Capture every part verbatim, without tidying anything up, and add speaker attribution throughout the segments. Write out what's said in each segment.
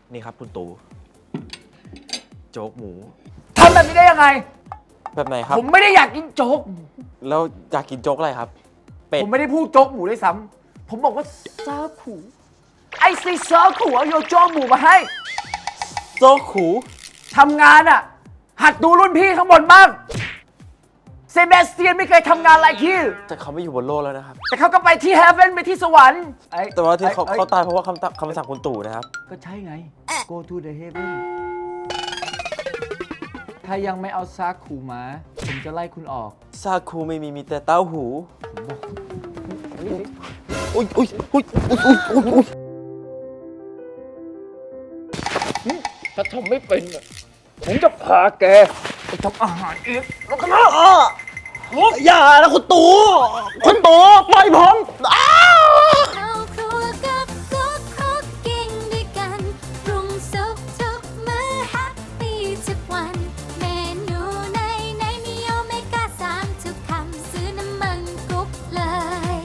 Speaker 1: นี่ครับคุณตู่โจ๊กหมู
Speaker 2: ทำแบบนี้ได้ยังไง
Speaker 1: แบบไหนครับ
Speaker 2: ผมไม่ได้อยากกินโจ๊ก
Speaker 1: แล้วอยากกินโจ๊กอะไรครับเป็ด
Speaker 2: ผมไม่ได้พูดโจ๊กหมูด้วยซ้ำผมบอกว่าซาขูไอ้ซีซาขูเอาโยโจ๊กหมูมาให้
Speaker 1: โจ๊กขู
Speaker 2: ทำงานอ่ะหัดดูรุ่นพี่ข้างบนบ้างเซเบสเตียนไม่เคยทำงานอะไรที่
Speaker 1: แต่เขาไม่อยู่บนโลกแล้วนะครับ
Speaker 2: แต่เขาก็ไปที่เฮเว่นไปที่สวรรค์
Speaker 1: แต่ว่าที่เขาเขาตายเพราะว่าคำคำสั่งคุณตู่นะครับ
Speaker 2: ก็ใช่ไง go to the heaven ถ้ายังไม่เอาซาคูมาผมจะไล่คุณออก
Speaker 1: ซาคูไม่มีมีแต่เต้าหูอุ้ยอุ้ยอุ้ยอุ้ยอุ้ยอุ้ยอุ้ย
Speaker 2: ถ้าทำไม่เป็นผมจะพาแกไปทำอาหารเองแล้วก็มา
Speaker 1: อย่านะคุณตู่คุณตู่ปล่อยผม
Speaker 3: เข้าครัวกับกุ๊กคุกกิ้งด้วยกันปรุงสุกทุกมื้อแฮปปี้ทุกวันเมนูในในมีโอเมก้าสามทุกคำซื้อน้ำมันกุ๊กเลย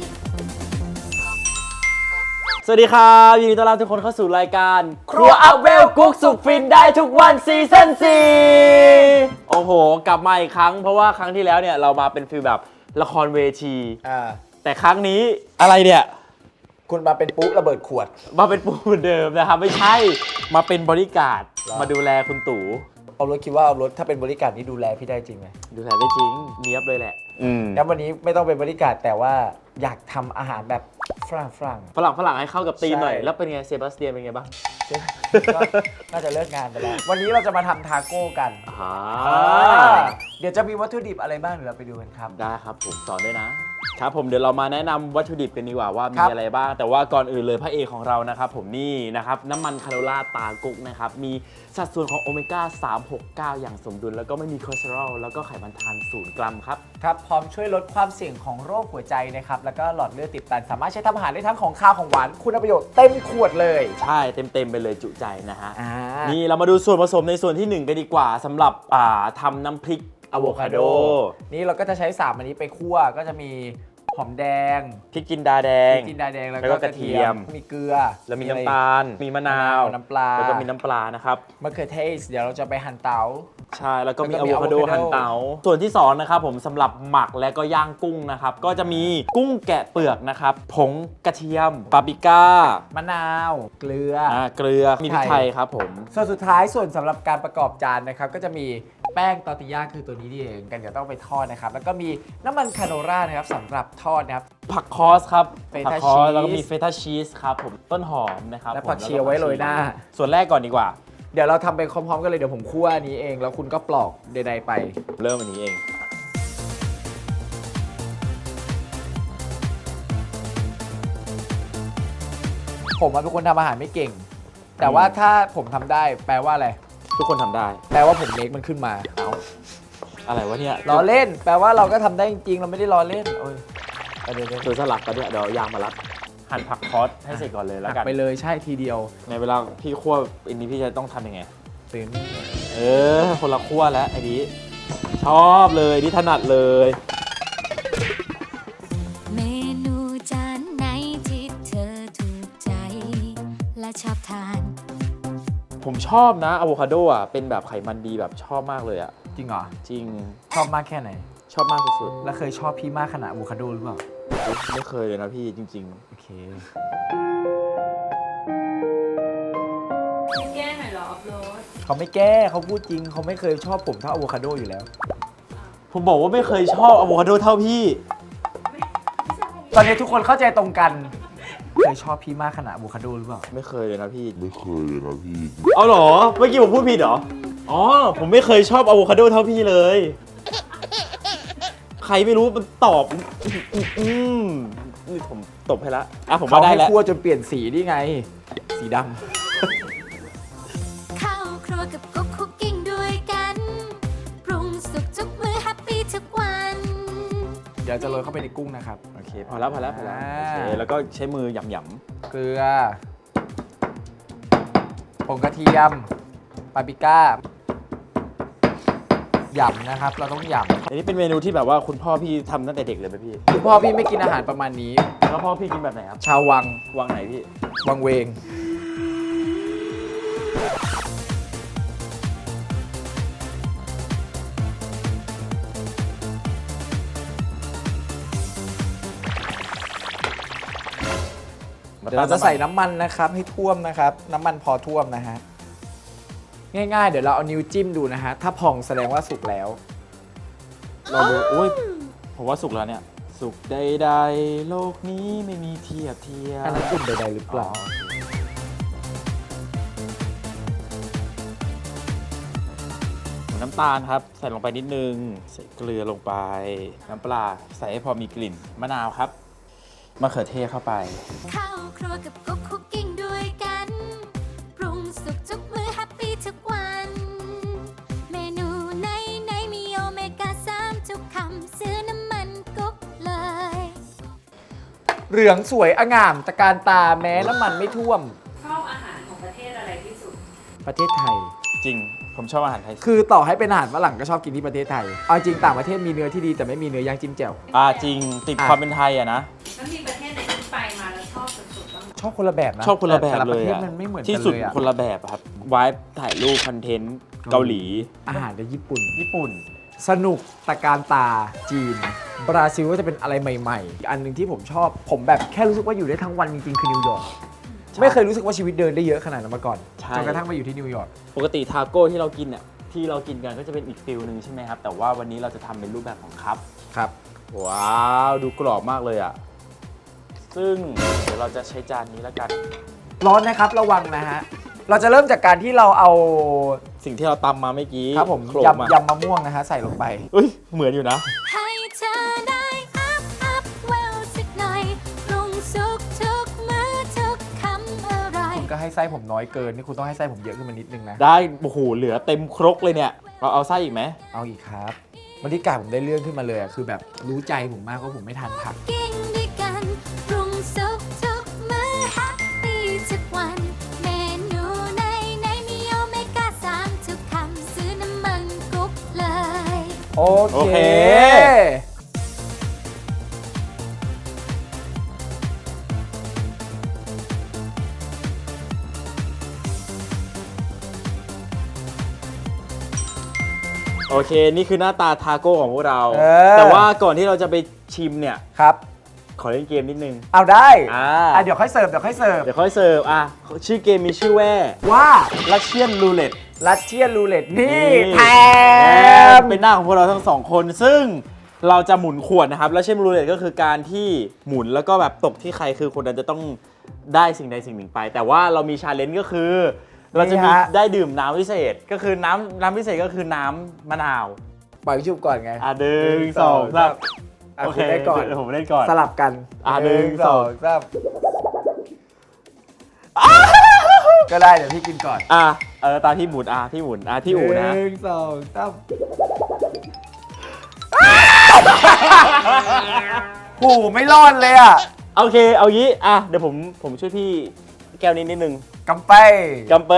Speaker 1: สวัสดีครับยินดีต้อนรับทุกคนเข้าสู่รายการครัวอัพเวลกุ๊กสุกฟินได้ทุกวันซีซั่นสี่โอ้โหกลับมาอีกครั้งเพราะว่าครั้งที่แล้วเนี่ยเรามาเป็นฟีลแบบละครเวทีแต่ครั้งนี้อะไรเนี่ย
Speaker 2: คุณมาเป็นปุ๊ระเบิดขวด
Speaker 1: มาเป็นปุ๊เหมือนเดิมนะครับไม่ใช่มาเป็นบริการดมาดูแลคุณตู่
Speaker 2: เอารถคิดว่าเอารถถ้าเป็นบริการนี่ดูแลพี่ได้จริงไหม
Speaker 1: ดูแลได้จริงเนียบเลยแหละ
Speaker 2: แล้ววันนี้ไม่ต้องเป็นบริการแต่ว่าอยากทำอาหารแบบฝรั่งฝรั่ง
Speaker 1: ฝรั่งฝรั่งให้เข้ากับธีมหน่อยแล้วเป็นไงเซบาสเตียนเป็นไงบ้าง
Speaker 2: น่าจะเลิกงานไปแล้ววันนี้เราจะมาทำทาโก้กันเดี๋ยวจะมีวัตถุดิบอะไรบ้างเดี๋ยวเราไปดูกันครับ
Speaker 1: ได้ครับผมสอนด้วยนะครับผมเดี๋ยวเรามาแนะนำวัตถุดิบกันดีกว่าว่ามีอะไรบ้างแต่ว่าก่อนอื่นเลยพระเอกของเรานะครับผมนี่นะครับน้ำมันคาโนล่าตากุ๊กนะครับมีสัดส่วนของโอเมก้าสาม หก เก้าอย่างสมดุลแล้วก็ไม่มีคอเลสเตอรอลแล้วก็ไขมันทานศูนย์กรัมครับ
Speaker 2: ครับพร้อมช่วยลดความเสี่ยงของโรคหัวใจนะครับแล้วก็หลอดเลือดติดตันสามารถใช้ทำอาหารได้ทั้งของข้าวของหวานคุณประโยชน์เต็มขวดเลย
Speaker 1: ใช่เต็มๆไปเลยจุใจนะฮะนี่เรามาดูส่วนผสมในส่วนที่หนึ่งกันดีกว่าสำหรับอ่าทำน้ำพริกอะโวคาโด
Speaker 2: นี่เราก็จะใช้สามอันนี้ไปคั่วก็จะมีหอมแดง
Speaker 1: พริกจินดาแดง
Speaker 2: พริกจินดาแดงแล้วก็กระเทียมมีเกลือ
Speaker 1: แล้วมีน้ำตาลมีมะนาว
Speaker 2: น้ำปลา
Speaker 1: แล้วก็มีน้ำปลานะครับ
Speaker 2: มะเขือเทศเดี๋ยวเราจะไปหั่นเต๋า
Speaker 1: ใช่แล้วก็มีอะโวคาโดหั่นเต๋าส่วนที่สองนะครับผมสำหรับหมักและก็ย่างกุ้งนะครับก็จะมีกุ้งแกะเปลือกนะครับผงกระเทียมปาปริก้าม
Speaker 2: ะนาวเกลือ
Speaker 1: อ่าเกลือมีพริกไทยครับผม
Speaker 2: ส่วนสุดท้ายส่วนสำหรับการประกอบจานนะครับก็จะมีแป้งตอร์ติญาคือตัวนี้นี่เองกันเดี๋ยวต้องไปทอดนะครับแล้วก็มีน้ำมันคาโนล่านะครับสำหรับทอดนะครับ
Speaker 1: ผักคอสครับ
Speaker 2: ผักคอส
Speaker 1: แล้วก็มีเฟต้าชีสครับผมต้นหอมนะครับ
Speaker 2: และผักชีเอาไว้โรยหน้า
Speaker 1: ส่วนแรกก่อนดีกว่า
Speaker 2: เดี๋ยวเราทำไปพร้อมๆกันเลยเดี๋ยวผมคั่วอันนี้เองแล้วคุณก็ปลอกใดๆไป
Speaker 1: เริ่มอันนี้เอง
Speaker 2: ผมเป็นคนทำอาหารไม่เก่งแต่ว่าถ้าผมทำได้แปลว่าอะไร
Speaker 1: ทุกคนทำได้
Speaker 2: แปลว่าผมเล็กมันขึ้นมา
Speaker 1: เอาอะไรวะเนี่ย
Speaker 2: ล้อเล่นแปลว่าเราก็ทำได้จริงๆเราไม่ได้ล้อเล่นโอ้ย
Speaker 1: เดี๋ยวเดี๋ยวสลับกันเนี่ยเดี๋ยวยางมารัดหั่นผักคอสให้เสร็จก่อนเลยแล้วกัน
Speaker 2: ไปเลยใช่ทีเดียว
Speaker 1: ในเวลาพี่คั่วอันนี้พี่จะต้องทำยังไง
Speaker 2: เป็น
Speaker 1: เออคนละคั่วแล้วไอ้นี้ชอบเลยนี่ถนัดเลย
Speaker 3: เมนูจานไหนที่เธอถูกใจและชอบทาน
Speaker 1: ผมชอบนะอะโวคาโดอ่ะเป็นแบบไขมันดีแบบชอบมากเลยอ่ะ
Speaker 2: จริงเหรอ
Speaker 1: จริง
Speaker 2: ชอบมากแค่ไหน
Speaker 1: ชอบมากสุด
Speaker 2: ๆแล้วเคยชอบพี่มากขนาดอะโวคาโดหรือเปล่า
Speaker 1: ไม่เคยเลยนะพี่จริงๆ
Speaker 2: โอเค
Speaker 3: แก้หน่อยเหรออัพโหลด
Speaker 2: เขาไม่แก้เขาพูดจริงเขาไม่เคยชอบผมเท่าอะโวคาโดอยู่แล้ว
Speaker 1: ผมบอกว่าไม่เคยชอบอะโวคาโดเท่าพี่
Speaker 2: ตอนนี้ทุกคนเข้าใจตรงกันเคยชอบพี่มากขนาดอะโวคาโดหรือเปล่า
Speaker 1: ไม่เคยเลยนะพี่
Speaker 4: ไม่เคยเลยนะพี่
Speaker 1: เอาเหรอเมื่อกี้ผมพูดผิดเหรออ๋อผมไม่เคยชอบอะโวคาโดเท่าพี่เลยใครไม่รู้มันตอบอืมนี่ผมตบให้ละอ่ะผมว่าได้แล้ว
Speaker 2: เขาให้คั่วจนเปลี่ยนสีนี่ไงสีด
Speaker 3: ำเข้าครัวกับกุ๊กคุกกิ้งด้วยกันปรุงสุกทุกมื้อแฮปปี้ทุกวัน
Speaker 2: เดี๋ยวจะโรยเข้าไปในกุ้งนะครับ
Speaker 1: โอเคพอแล้วพอแล้วพอแล้วโอเคแล้วก็ใช้มือหย่ำ
Speaker 2: ๆเกลือผงกระเทียมปาปริก้าหยำนะครับเราต้องหยำ
Speaker 1: อันนี้เป็นเมนูที่แบบว่าคุณพ่อพี่ทำตั้งแต่เด็กเลยไหมพี่
Speaker 2: คุณพ่อพี่ไม่กินอาหารประมาณนี้
Speaker 1: แล้วพ่อพี่กินแบบไหนครับ
Speaker 2: ชาววัง
Speaker 1: วังไหนพี่
Speaker 2: วังเวงเดี๋ยวเราจะใส่น้ำมันนะครับให้ท่วมนะครับ น้ำมันพอท่วมนะฮะ ง่ายๆ เดี๋ยวเราเอานิ้วจิ้มดูนะฮะ ถ้าพองแสดงว่าสุกแล้ว
Speaker 1: เราดูโอ้ยผมว่าสุกแล้วเนี่ย สุกใดๆโลกนี้ไม่มีเทียบเทียม
Speaker 2: อันนั้นอุ่นใดๆหรือเปล่า
Speaker 1: น้ำตาลครับ ใส่ลงไปนิดนึง ใส่เกลือลงไป น้ำปลาใส่ให้พอมีกลิ่น มะนาวครับมะเขือเทศเข้าไป
Speaker 3: เข้าครัวกับกุ๊กคุกกิ้งด้วยกัน ปรุงสุกทุกมื้อแฮปปี้ทุกวัน เมนูไหนไหนมีโอเมก้าสามทุกคำซื้อน้ำมันกุ๊กเลย
Speaker 2: เหลืองสวยองามตะการตาแม้น้ำมันไม่ท่วม
Speaker 4: ชอบอาหารของประเทศอะไรที่สุด
Speaker 2: ประเทศไทย
Speaker 1: จริง ผมชอบอาหารไทย
Speaker 2: คือต่อให้เป็นอาหารฝรั่งก็ชอบกินที่ประเทศไทย เอาจริงต่างประเทศมีเนื้อที่ดีแต่ไม่มีเนื้อย่างจิ้มแจ่ว
Speaker 1: อ่าจริงติด
Speaker 2: อ่ะ
Speaker 1: ความเป็นไทยอะนะ
Speaker 4: แล้วมีประเทศไหนที่ไปมาแล้วชอบสุดๆบ้างไหม
Speaker 2: ชอบคนละแบบนะ
Speaker 1: ชอบคนละแบบ
Speaker 2: แต่
Speaker 1: เล
Speaker 2: ประ
Speaker 1: ย
Speaker 2: เทศ
Speaker 1: อะ
Speaker 2: มันไม่เหมือนกัน
Speaker 1: ที่สุด
Speaker 2: เลยอะ
Speaker 1: คนละแบบครับวายถ่ายรูปคอนเทนต์เกาหลี
Speaker 2: อาหารในญี่ปุ่น
Speaker 1: ญี่ปุ่น
Speaker 2: สนุกตะการตาจีน บราซิลก็จะเป็นอะไรใหม่ๆ อันหนึ่งที่ผมชอบ ผมแบบแค่รู้สึกว่าอยู่ได้ทั้งวันจริงๆ คือนิวยอร์ก
Speaker 1: ใช่
Speaker 2: ไม่เคยรู้สึกว่าชีวิตเดินได้เยอะขนาดนั้นมาก่อน
Speaker 1: ใช่
Speaker 2: จนกระทั่งมาอยู่ที่นิวยอร์ก
Speaker 1: ปกติทาโก้ที่เรากินเนี่ยที่เรากินกันก็จะเป็นอีกฟิลหนึ่งใช่ไหมครับ แต่ว่าวันนี้เราจะทำเป็นรูปแบบของคัพ
Speaker 2: ครับ
Speaker 1: ว้าว ดูกรอบมากเลยอ่ะ ซึ่งเดี๋ยวเราจะใช้จานนี้แล้วกัน
Speaker 2: ร้อนนะครับระวังนะฮะ เราจะเริ่มจากการที่เราเอา
Speaker 1: สิ่งที่เราตำมาเมื่อกี้
Speaker 2: ครับผม
Speaker 1: โขลกมาย
Speaker 2: ำยำมะม่วงนะฮะใส่ลงไป
Speaker 1: เอ้ย เหมือนอยู่นะ
Speaker 3: ให้เธอได้อัพอัพเวลสักหน่อยปรุงสุกทุกมื้อทุกคำอร่อย
Speaker 2: คุณก็ให้ไส้ผมน้อยเกินนี่คุณต้องให้ไส้ผมเยอะขึ้นมานิดนึงนะ
Speaker 1: ได้ โอ้โห เหลือเต็มครกเลยเนี่ย เราเอาไส้อีกไหม
Speaker 2: เอาอีกครับบรรยากาศผมได้เรื่องขึ้นมาเลยอะคือแบบรู้ใจผมมากว่าผมไม่ทานผัก
Speaker 3: กิ้งด้วยกันปรุงสุกทุกมื้อแฮปปี้ทุกวัน เมนูไหนไหนมีโอเมก้าสามทุกคำซื้อน้ำมันกุ๊กเลย
Speaker 2: โอ
Speaker 1: โอ
Speaker 2: เค
Speaker 1: เค โอเค นี่คือหน้าตาทาโก้ของพวกเรา
Speaker 2: เออ
Speaker 1: แต่ว่าก่อนที่เราจะไปชิมเนี่ย
Speaker 2: ครับ
Speaker 1: ขอเล่นเกมนิดนึง
Speaker 2: เอาได้
Speaker 1: อ่า
Speaker 2: อ่ะเดี๋ยวค่อยเสิร์ฟเดี๋ยวค่อยเสิร์ฟ
Speaker 1: เดี๋ยวค่อยเสิร์ฟ อ่ะ ชื่อเกมมีชื่อว่า
Speaker 2: ว่า
Speaker 1: ลัชเชียนรูเล็ต
Speaker 2: รัสเชียนรูเล็ตนี่แถม
Speaker 1: เป็นหน้าของพวกเราทั้งสองคน ซึ่งเราจะหมุนขวดนะครับ ลัชเชียนรูเล็ตก็คือการที่หมุนแล้วก็แบบตกที่ใครคือคนนั้นจะต้องได้สิ่งใดสิ่งหนึ่งไป แต่ว่าเรามีชาเลนจ์ก็คือ เราจะมีได้ดื่มน้ำพิเศษ ก็คือน้ำน้ำพิเศษก็คือน้ำมะนาว
Speaker 2: ปล่อยชุบก่อนไง
Speaker 1: อ่ะหนึ่งสองสาม
Speaker 2: อ่ะคุณได้ก่อน
Speaker 1: เดี๋ยวผมเล่นก่อน
Speaker 2: สลับกัน
Speaker 1: อ่ะหนึ่งสอง
Speaker 2: สามก็ได้เดี๋ยวพี่กินก่อน
Speaker 1: อ่ะเออตามพี่หมุนอ่ะพี่หมุนอ่ะพี่อูนะ
Speaker 2: หนึ่งสองสามโอ้โหไม่รอดเลยอ่ะ
Speaker 1: โอเค เอางี้ อ่ะ เดี๋ยวผม ผมช่วยพี่แก้วนี้นิดนึง
Speaker 2: กำไป
Speaker 1: กำไป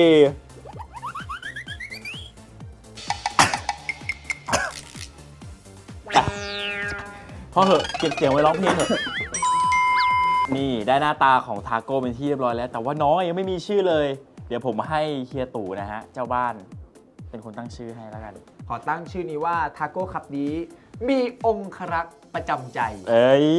Speaker 1: อ่ะพอเหอะ เก็บเสียงไว้ร้องเพลงเถอะ นี่ได้หน้าตาของทาโก้เป็นที่เรียบร้อยแล้ว แต่ว่าน้องยังไม่มีชื่อเลย เดี๋ยวผมให้เฮียตู่นะฮะ เจ้าบ้าน เป็นคนตั้งชื่อให้แล้วกัน
Speaker 2: ขอตั้งชื่อนี้ว่าทาโก้คัพนี้ มีองครักษ์ประจำใจ
Speaker 1: เอ้ย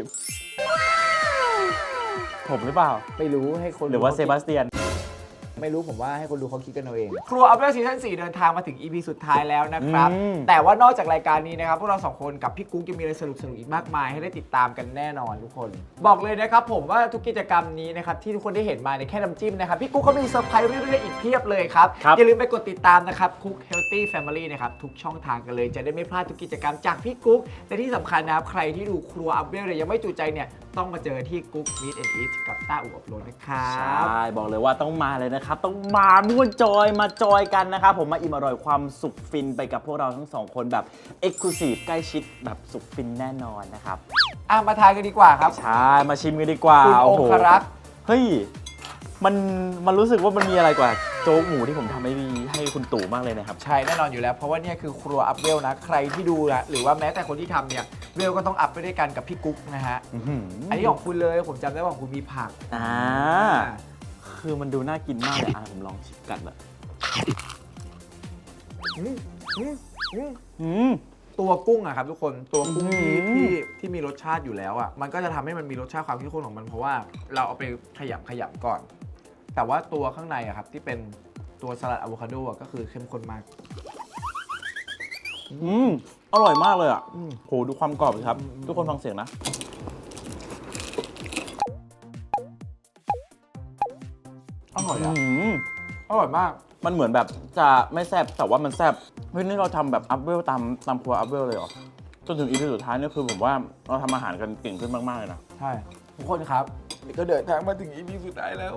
Speaker 1: ผมหรือเปล่า
Speaker 2: ไม่รู้ให้คน
Speaker 1: หรือว่าเซบาสเตียน
Speaker 2: ไม่รู้ผมว่าให้คนดูเขาคิดกันเอาเอง ครัวอัพเดทซีซั่นสี่เดินทางมาถึง อี พี สุดท้ายแล้วนะครับ
Speaker 1: อืม
Speaker 2: แต่ว่านอกจากรายการนี้นะครับ พวกเราสองคนกับพี่กุ๊กยังมีอะไรสนุกสนุกๆอีกมากมายให้ได้ติดตามกันแน่นอนทุกคน บอกเลยนะครับผมว่าทุกกิจกรรมนี้นะครับที่ทุกคนได้เห็นมาในยแค่น้ำจิ้มนะครับ พี่กุ๊กเขามีเซอร์ไพรส์เรื่อยๆอีกเพียบเลยครับ
Speaker 1: ครับ
Speaker 2: อย่าลืมไปกดติดตามนะครับ Cook Healthy Family นะครับทุกช่องทางกันเลยจะได้ไม่พลาดทุกกิจกรรมจากพี่กุ๊กและที่สำคัญนะครับใครที่ดูครัวอัพเดทเนี่ยยังไม่จุใจเนี่ยต้องมาเจอที่กุ๊ก Meet and Eat กับต้าอู่อบรมนะครับ
Speaker 1: ใช่ บอกเลยว่าต้องมาเลยนะครับ ต้องมาม่วนจอยมาจอยกันนะครับ ผมมาอิ่มอร่อยความสุขฟินไปกับพวกเราทั้งสองคนแบบ Exclusive ใกล้ชิดแบบสุขฟินแน่นอนนะครับ
Speaker 2: อ่ะมาทานกันดีกว่าครับ
Speaker 1: ใช่ มาชิมกันดีกว่า
Speaker 2: คุณ
Speaker 1: โอ้
Speaker 2: อง
Speaker 1: โห
Speaker 2: ครักษ์
Speaker 1: เฮ้ย มันมันรู้สึกว่ามันมีอะไรกว่าโจ๊กหมูที่ผมทำให้ให้คุณตู่มากเลยนะครับ
Speaker 2: ใช่แน่นอนอยู่แล้ว เพราะว่าเนี่ยคือครัวอัพเวลนะ ใครที่ดูนะหรือว่าแม้แต่คนที่ทำเนี่ยเวลก็ต้องอัพไปด้วยกันกับพี่กุ๊กนะฮะ
Speaker 1: อื้อหือ
Speaker 2: อันนี้ของคุณเลยผมจำได้ว่าของคุณมีผัก
Speaker 1: อ่าคือมันดูน่ากินมากเลยอ่ะผมลองชิมกัดแบบ
Speaker 2: อืมอืมอืม
Speaker 1: อืม
Speaker 2: ตัวกุ้งอะครับทุกคนตัวกุ้งที่
Speaker 1: อื้อหือ
Speaker 2: ที่ที่มีรสชาติอยู่แล้วอะมันก็จะทำให้มันมีรสชาติความเข้มข้นของมันเพราะว่าเราเอาไปขยำขยำก่อน แต่ว่าตัวข้างในอะครับที่เป็นตัวสลัดอะโวคาโดอะก็คือเข้มข้นมาก
Speaker 1: อืมอร่อยมากเลยอ่ะ
Speaker 2: อืม
Speaker 1: โหดูความกรอบสิครับ
Speaker 2: อืม
Speaker 1: ทุกคนฟังเสียงนะ
Speaker 2: อร่อยอะ
Speaker 1: อืม
Speaker 2: อร่อยมาก
Speaker 1: มันเหมือนแบบจะไม่แซ่บแต่ว่ามันแซ่บเฮ้ยนี่เราทำแบบอัพเวลตามตามครัวอัพเวลเลยเหรอจนถึงอีพีสุดท้ายเนี่ยคือผมว่าเราทำอาหารกันเก่งขึ้นมากๆเลยนะ
Speaker 2: ใช่ทุกคนครับนี่ก็เดินทางมาถึง อี พี สุดท้ายแล้ว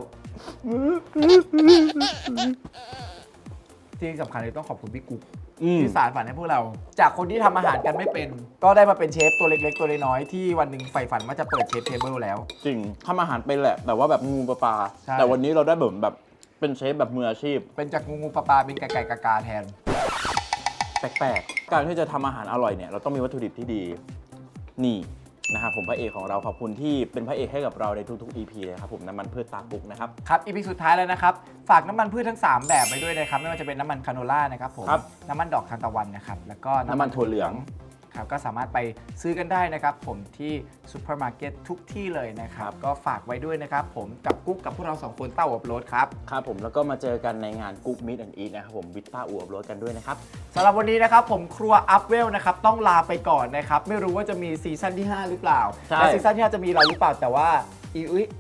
Speaker 2: ที่สำคัญเลยต้องขอบคุณพี่กุ๊ก
Speaker 1: อืม
Speaker 2: ที่สานฝันให้พวกเรา จากคนที่ทำอาหารกันไม่เป็น ก็ได้มาเป็นเชฟตัวเล็กๆ ตัวน้อยๆที่วันหนึ่งใฝ่ฝันว่าจะเปิดเชฟเทเบิลแล้ว
Speaker 1: จริงทำอาหารเป็นแหละแต่ว่าแบบงูปลาปลา
Speaker 2: ใช่
Speaker 1: แต่วันนี้เราได้แบบแบบเป็นเชฟแบบมืออาชีพ
Speaker 2: เป็นจากงูงูปลาปลาเป็นไก่ไก่กากาแทน
Speaker 1: แปลกๆ การที่จะทำอาหารอร่อยเนี่ยเราต้องมีวัตถุดิบที่ดี นี่นะครับผมพระเอกของเราขอบคุณที่เป็นพระเอกให้กับเราในทุกๆ อี พี เลยครับผมน้ำมันพืชตากุกนะครับ
Speaker 2: ครับ อี พี สุดท้ายแล้วนะครับ ฝากน้ำมันพืชทั้ง สาม แบบไปด้วยนะครับ ไม่ว่าจะเป็นน้ำมันคาโนล่านะครับผม
Speaker 1: ครับ
Speaker 2: น้ำมันดอกทานตะวันนะครับ แล้วก็
Speaker 1: น้ำมันถั่วเหลือง
Speaker 2: ครับ ก็สามารถไปซื้อกันได้นะครับ ผมที่ซูเปอร์มาร์เก็ตทุกที่เลยนะครับ ก็ฝากไว้ด้วยนะครับ ผมกับกุ๊กกับพวกเราสองคนเต้าอบรสครับ
Speaker 1: ครับผมแล้วก็มาเจอกันในงานกุ๊กมิตแอนด์อีทนะครับผมวิตต้าอวบรสกันด้วยนะครับ
Speaker 2: สำหรับวันนี้นะครับผมครัวอัพเวลนะครับต้องลาไปก่อนนะครับ ไม่รู้ว่าจะมีซีซั่นที่ ห้า หรือเปล่า
Speaker 1: ใช่
Speaker 2: และซีซั่นที่ห้าจะมีเราหรือเปล่าแต่ว่าอีอุ้ย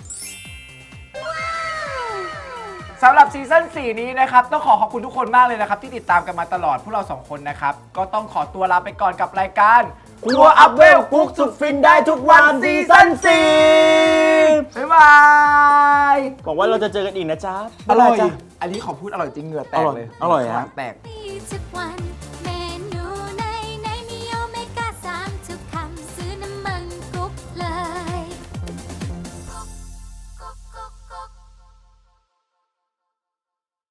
Speaker 2: สำหรับซีซั่นสี่นี้นะครับต้องขอขอบคุณทุกคนมากเลยนะครับที่ติดตามกันมาตลอดพวกเราสองคนนะครับก็ต้องขอตัวลาไปก่อนกับรายการ
Speaker 1: ครัวอัพเวลกุ๊กสุดฟินได้ทุกวันซีซั่นสี่
Speaker 2: บ๊ายบาย
Speaker 1: หวังว่าเราจะเจอกันอีกนะจ๊ะ
Speaker 2: อร่อย
Speaker 1: บ๊ายบาจ้ะ
Speaker 2: อันนี้ขอพูดอร่อยจริงเหงื่อแตกเลย
Speaker 1: อร่อยอร่อยฮะ
Speaker 2: แตก
Speaker 3: ทุกวัน